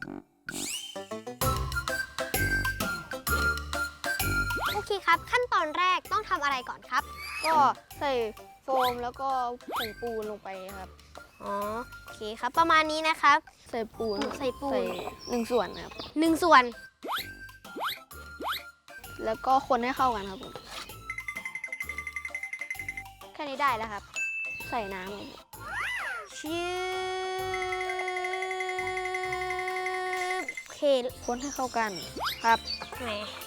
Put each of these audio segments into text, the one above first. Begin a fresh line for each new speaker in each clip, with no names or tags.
โอเคครับขั้นตอนแรกต้องทำอะไรก่อนครับ
ก็ใส่โฟมแล้วก็ผงปูนลงไปครับ
อ๋อโอเคครับประมาณนี้นะครับ
ใส่ปูน
ใส่
1 ส่วนครับ
1 ส่วน
แล้วก็คนให้เข้ากันครับผมแค่นี้ได้แล้วครับ ใส่น้ำครับ
ชิบโอเค
คนให้เข้ากันครับ
แหม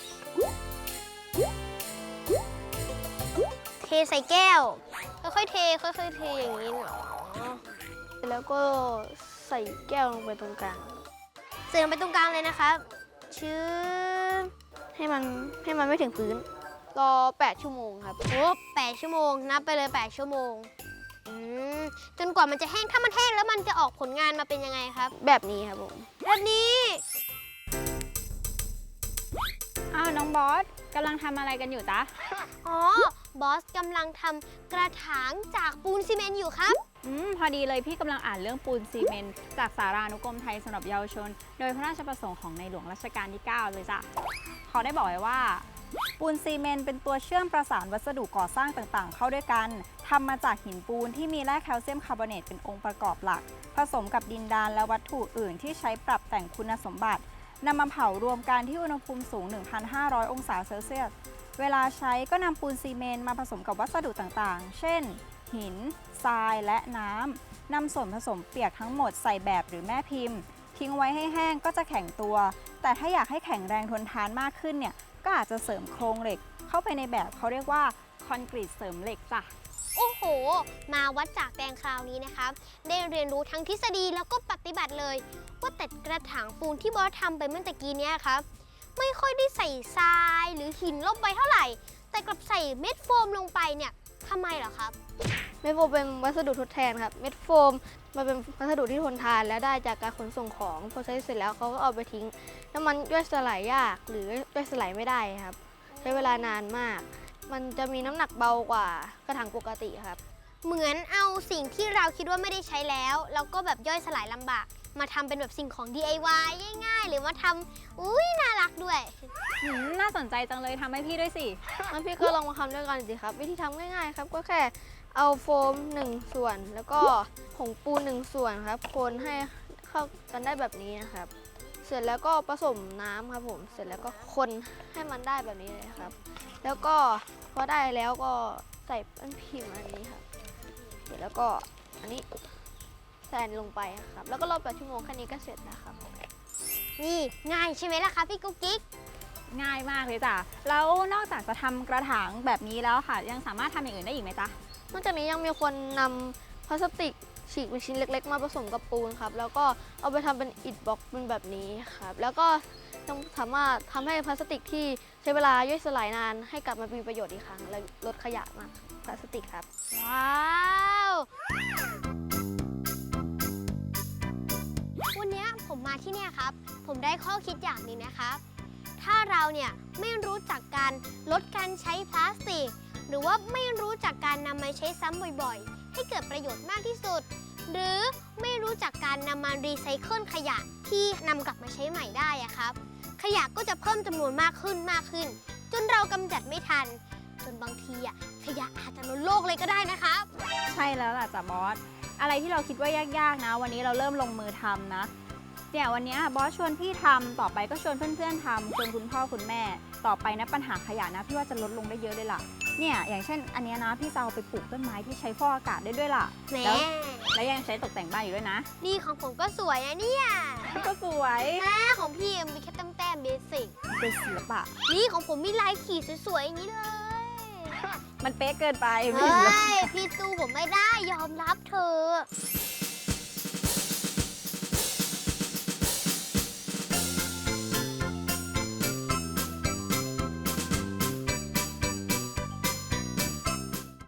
เทใส่แก้วค่อยๆเทอย่างนี้เนาะ
แล้วก็ใส่แก้วลงไปตรงกลาง
ใส่ลงไปตรงกลางเลยนะครับชื่อ
ให้มันไม่ถึงพื้นรอ8 ชั่วโมงครับ
โอ้8 ชั่วโมงนับไปเลย8 ชั่วโมงจนกว่ามันจะแห้งถ้ามันแห้งแล้วมันจะออกผลงานมาเป็นยังไงครับ
แบบนี้ครับผม
แบบนี้
อ้าวน้องบอสกำลังทำอะไรกันอยู่จ๊ะ
อ๋อบอสกำลังทำกระถางจากปูนซีเมนต์อยู่ครับ
พอดีเลยพี่กำลังอ่านเรื่องปูนซีเมนต์จากสารานุกรมไทยสำหรับเยาวชนโดยพระราชประสงค์ของในหลวงรัชกาลที่ 9 เลยจ้ะเขาได้บอกไว้ว่าปูนซีเมนต์เป็นตัวเชื่อมประสานวัสดุก่อสร้างต่างๆเข้าด้วยกันทำมาจากหินปูนที่มีแร่แคลเซียมคาร์บอเนตเป็นองค์ประกอบหลักผสมกับดินดานและวัตถุอื่นที่ใช้ปรับแต่งคุณสมบัตินำมาเผารวมกันที่อุณหภูมิสูง 1,500 องศาเซลเซียสเวลาใช้ก็นำปูนซีเมนต์มาผสมกับวัสดุต่างๆเช่นหินทรายและน้ำนำส่วนผสมเปียกทั้งหมดใส่แบบหรือแม่พิมพ์ทิ้งไว้ให้แห้งก็จะแข็งตัวแต่ถ้าอยากให้แข็งแรงทนทานมากขึ้นเนี่ยก็อาจจะเสริมโครงเหล็กเข้าไปในแบบเขาเรียกว่าคอนกรีตเสริมเหล็กจ้ะ
โอ้โหมาวัดจากแดงคราวนี้นะครับได้เรียนรู้ทั้งทฤษฎีแล้วก็ปฏิบัติเลยว่าแต่กระถางปูนที่บอสทำไปเมื่อตะกี้นี้ครับไม่ค่อยได้ใส่ทรายหรือหินลงไปเท่าไหร่แต่กลับใส่เม็ดโฟมลงไปเนี่ยทำไมเหรอครับ
เม็ดโฟมเป็นวัสดุทดแทนครับเม็ดโฟมมันเป็นวัสดุที่ทนทานและได้จากการขนส่งของพอใช้เสร็จแล้วเขาก็เอาไปทิ้งแล้วมันย่อยสลายยากหรือย่อยสลายไม่ได้ครับใช้เวลานานมากมันจะมีน้ำหนักเบากว่ากระถางปกติครับ
เหมือนเอาสิ่งที่เราคิดว่าไม่ได้ใช้แล้วก็แบบย่อยสลายลำบากมาทำเป็นแบบสิ่งของ DIY ง่ายๆหรือมาทำอุ้ยน่ารักด้วย
น่าสนใจจังเลยทำให้พี่ด้วยสิ
งั้นพี่ก็ลองมาทำด้วยกันสิครับวิธีทำง่ายๆครับก็แค่เอาโฟม1 ส่วนแล้วก็ผงปูน1 ส่วนครับคนให้เข้ากันได้แบบนี้นะครับเสร็จแล้วก็ผสมน้ำครับผมเสร็จแล้วก็คนให้มันได้แบบนี้เลยครับแล้วก็พอได้แล้วก็ใส่แป้นพิมพ์อันนี้ครับเสร็จแล้วก็อันนี้ใส่ลงไปครับแล้วก็รอ8 ชั่วโมงแค่นี้ก็เสร็จนะครับ
นี่ง่ายใช่ไหมล่ะคะพี่กุ๊กกิ๊ก
ง่ายมากเลยจ้ะแล้วนอกจากจะทำกระถางแบบนี้แล้วค่ะยังสามารถทำอย่างอื่นได้อีกไหมจ๊ะ
นอกจากนี้ยังมีคนนำพลาสติกฉีกเป็นชิ้นเล็กๆมาผสมกับปูนครับแล้วก็เอาไปทำเป็นอิฐบล็อกเป็นแบบนี้ครับแล้วก็ยังสามารถทำให้พลาสติกที่ใช้เวลาย่อยสลายนานให้กลับมามีประโยชน์อีกครั้งและลดขยะมากพลาสติกครับ
ว้าววันนี้ผมมาที่เนี่ยครับผมได้ข้อคิดอย่างหนึ่งนะครับถ้าเราเนี่ยไม่รู้จักการลดการใช้พลาสติกหรือว่าไม่รู้จักการนำมาใช้ซ้ำบ่อยๆให้เกิดประโยชน์มากที่สุดหรือไม่รู้จักการนำมารีไซเคิลขยะที่นำกลับมาใช้ใหม่ได้อะครับขยะก็จะเพิ่มจำนวนมากขึ้นจนเรากำจัดไม่ทันจนบางทีอะขยะอาจจะล้นโลกเลยก็ได้นะครับ
ใช่แล้วล่ะจ้ะบอสอะไรที่เราคิดว่ายากๆนะวันนี้เราเริ่มลงมือทำนะเนี่ยวันนี้บอสชวนพี่ทำต่อไปก็ชวนเพื่อนๆทำชวนคุณพ่อคุณแม่ต่อไปนะปัญหาขยะนะพี่ว่าจะลดลงได้เยอะเลยล่ะเนี่ยอย่างเช่นอันนี้นะพี่จะเอาไปปลูกต้นไม้ที่ใช้ฟอกอากาศได้ด้วยล่ะแล้วยังใช้ตกแต่งบ้านอยู่ด้วยนะ
นี่ของผมก็สวยนะเนี่ย
ก็สวย
ของพี่มีแค่แต้มเบสิก
เป็นศิลปะ
นี่ของผมมีลายขีดสวยๆอย่างนี้เลย
มันเป๊ะเกินไป
พี่สู้ผมไม่ได้ยอมรับเธอ